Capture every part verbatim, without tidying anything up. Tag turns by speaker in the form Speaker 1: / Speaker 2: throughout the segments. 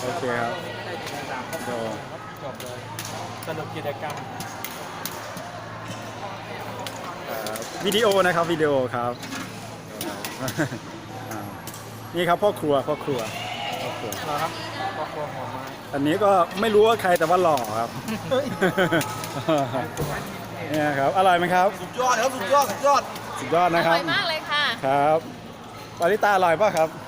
Speaker 1: โอเคครับโด
Speaker 2: จบเลยสรุปกิจกรรม
Speaker 1: วิดีโอนะครับวิดีโอครับนี่ครับพ่อครัวพ่อครัวพ่อครัว
Speaker 2: นะครับครอบครัวหอมไม้
Speaker 1: อันนี้ก็ไม่รู้ว่าใครแต่ว่าหล่อครับเนี่ยครับอร่อยไหมครับ
Speaker 2: สุดยอดครับสุดยอดสุดยอด
Speaker 1: สุดยอดนะครับ
Speaker 3: อร่อยมากเลยค่ะ
Speaker 1: ครับปาริตาอร่อยป่ะครับ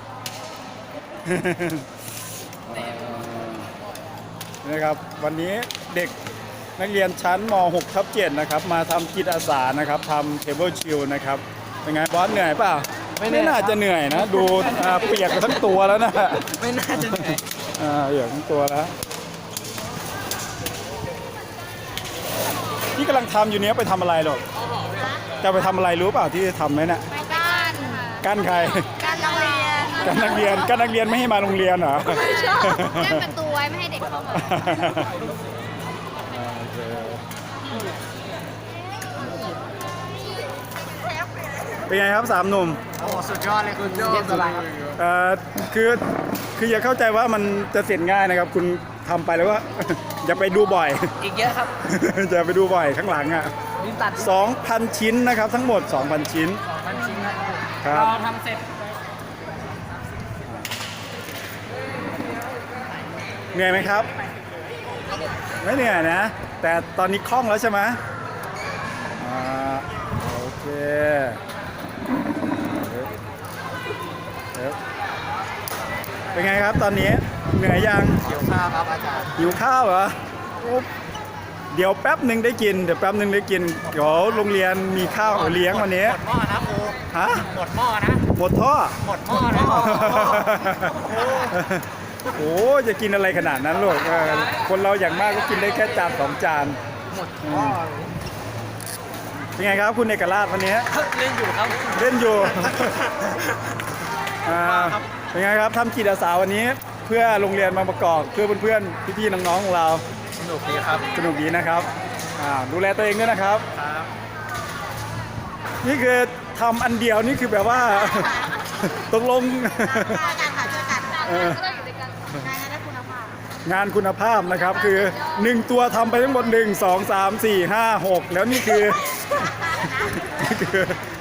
Speaker 1: นี่ครับวันนี้เด็กนักเรียนชั้นม หก ทับ เจ็ดนะครับมาทำจิตอาสานะครับทำเทเบิลชิลนะครับเป็นไงบอสเหนื่อยเปล่าไม่น่าจะเหนื่อยนะดูเปียกทั้งตัวแล้วนะ
Speaker 2: ไม่น่าจะเหนื่อย
Speaker 1: อ่าเปียกทั้งตัวแล้วที่กำลังทำอยู่เนี้ยไปทำอะไรหรอกจะไปทำอะไรรู้เปล่าที่ทำไหมเนี่ย
Speaker 3: ไปก้าน
Speaker 1: กั้นใคร
Speaker 3: ก้านนักเรียน
Speaker 1: กั้นนักเรียนกั้นนักเรียนไม่ให้มาโรงเรียนเหรอ
Speaker 3: ไม่ชอบกั้นประตูไว้ไม่ให้เด็กเข้ามา
Speaker 1: เป็นไงครับสามหนุ่ม
Speaker 2: โอ้สุดยอดเลยคุณยอดอะไรครับ
Speaker 1: เอ่อคือคืออย่าเข้าใจว่ามันจะเสร็จง่ายนะครับคุณทำไปแล้วว่าอย่าไปดูบ่อย
Speaker 2: อีกเยอะครับ
Speaker 1: อย่าไปดูบ่อยข้างหลังอ่ะสองพันชิ้นนะครับทั้งหมด สองพัน ชิ้น
Speaker 2: สองพันชิ้น
Speaker 1: ครับ
Speaker 2: เราทำเสร็จ
Speaker 1: เหนื่อยไหมครับไม่เหนื่อยนะแต่ตอนนี้คล่องแล้วใช่ไหมอ่าโอเคเป็นไงครับตอนนี้เหนื่อยยัง
Speaker 2: หิวข้าวครับอาจารย์
Speaker 1: หิวข้าวเหรอเดี๋ยวแป๊บหนึ่งได้กินเดี๋ยวแป๊บหนึ่งได้กินเดี๋ยวโรงเรียนมีข้าวเลี้ยงวันนี้
Speaker 2: หมดหม้อนะครู
Speaker 1: ฮะ
Speaker 2: หมดหม้อนะ
Speaker 1: หมดท่อ
Speaker 2: หมดหม้อนะ
Speaker 1: โอ้จะกินอะไรขนาดนั้นลูกคนเราอย่างมากก็กินได้แค่จานสองจาน
Speaker 2: หมดหม้อ
Speaker 1: เป็นไงครับคุณเอกราชวันนี้
Speaker 2: เล่นอยู่ครับ
Speaker 1: เล่นอยู่เป็นไงครับทำจิตอาสาวันนี้เพื่อโรงเรียนบางประกอบเพื่อเพื่อนๆพี่ๆน้องๆของเรา
Speaker 2: สนุกดีครับ
Speaker 1: สนุกดีนะครับดูแลตัวเองด้วยนะครับนี่คือทำอันเดียวนี่คือแบบว่าตกลงงานคุณภาพนะครับคือหนึ่งตัวทำไปทั้งหมดหนึ่งสองสามสี่ห้าหกแล้วนี่คือนี่คื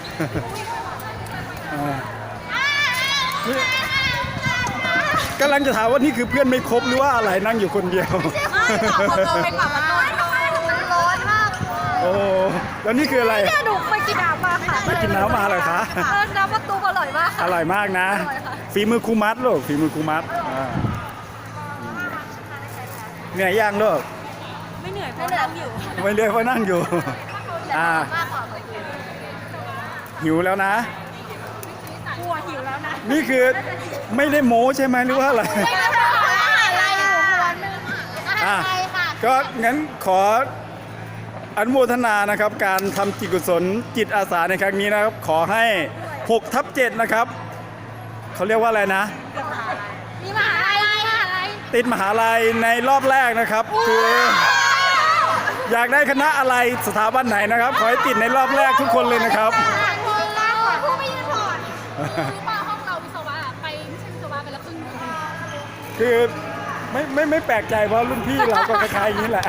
Speaker 1: อกำลังจะถามว่านี่คือเพื่อนไม่ครบหรือว่าอะไรนั่งอยู่คนเดียว
Speaker 3: ไม่หรอกคนเราเป็นแบบมันร้อนมาก
Speaker 1: โอ้แล้วนี่คืออะไร
Speaker 3: เนี่ยหนูไปกินน้ำมาค่ะ
Speaker 1: ไปกินน้ำมาเหรอคะ
Speaker 3: น้ำประตูอร่อยมาก
Speaker 1: อร่อยมากนะฝีมือครูมัดลูกฝีมือครูมัดเหนื่อยยังลูก
Speaker 3: ไม่เหนื่อยเพราะนั่งอยู่
Speaker 1: ไม่เหนื่อยเพราะนั่งอยู่อ่าหิวแล้วนะ
Speaker 3: กลัวหิวแล้วนะ
Speaker 1: นี่คือไม่ได้โม้ใช่ไหมหรือว่าอะไร
Speaker 3: ไม่ได้โม้อะไรอยู่วันนึงอ่ะ
Speaker 1: ก็งั้นขออนุโมทนานะครับการทำจิตกุศลจิตอาสาในครั้งนี้นะครับขอให้หกทับเจ็ดนะครับเขาเรียกว่าอะไรนะ
Speaker 3: มีมหาลัย
Speaker 1: ติดมหาลัยในรอบแรกนะครับคืออยากได้คณะอะไรสถาบันไหนนะครับขอให้ติดในรอบแรกทุกคนเลยนะครับคือไม่ไม่ไม่แปลกใจเพราะรุ่นพี่เราก็คล้ายๆอย่างนี้แหละ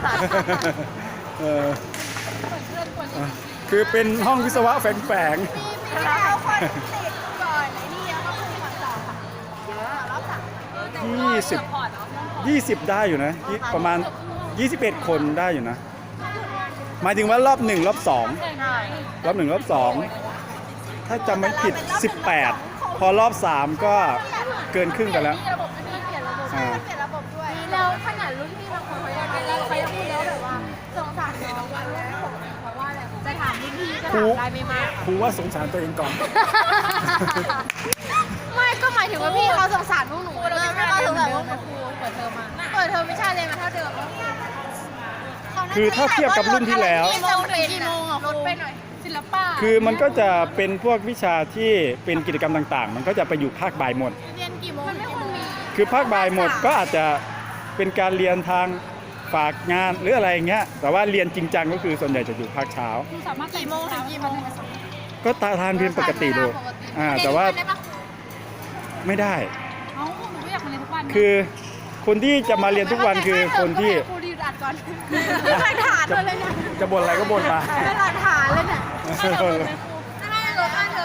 Speaker 1: คือเป็นห้องวิศวะแฝงๆยี่สิบยี่สิบได้อยู่นะประมาณยี่สิบเอ็ดคนได้อยู่นะหมายถึงว่ารอบหนึ่งรอบสองรอบหนึ่งรอบสองถ้าจำไม่ผิดสิบแปดพอรอบสามก็เกินครึ่งกันแล้ว
Speaker 3: แล้วขนาดรุ่นพี่บางคนเขาเขายังพูดแล้วแบบว่าสงสารน้องว่าเพราะว่าอะไรจะถามรุ่นพี่ก็ถามได้ไม่มาก
Speaker 1: ครูว่าสงสารตัวเองก่อน
Speaker 3: ไม่ก็หมายถึงว่าพี่เขาสงสารพวกหนูเลยไม่เขาสงสารพวกหนูเปิดเทอมมาเปิดเทอมวิชาเรียนมาเท่าเดิม
Speaker 1: คือถ้าเทียบกับรุ่นที่แล้ว
Speaker 3: กี่โมงถึงกี่โมงอ่ะลดไปหน่อยศิลปะ
Speaker 1: คือมันก็จะเป็นพวกวิชาที่เป็นกิจกรรมต่างๆมันก็จะไปอยู่ภาคบ่ายหมด
Speaker 3: เรียนกี่โมงมันไม่ควรมี
Speaker 1: คือภาคบ่ายหมดก็อาจจะเป็นการเรียนทางฝากงานหรืออะไรเงี้ยแต่ว่าเรียนจริงจังก็คือส่วนใหญ่จะอยู่ภาคเช้า
Speaker 3: สามารถกี่โมงถึงกี่โมง
Speaker 1: ก็ตาทานเรียนปกติดูอ่าแต่ว่าไม่ได้คือคนที่จะมาเรียนทุกวันคือคนที่
Speaker 3: ครูดีอัดก่อนเป็นหลักฐานเลยเนี่ย
Speaker 1: จะบ่นอะไรก็บ่นมา
Speaker 3: เป็นหลักฐานเลยเนี่ย
Speaker 1: เออ
Speaker 3: ให้รถอันเถ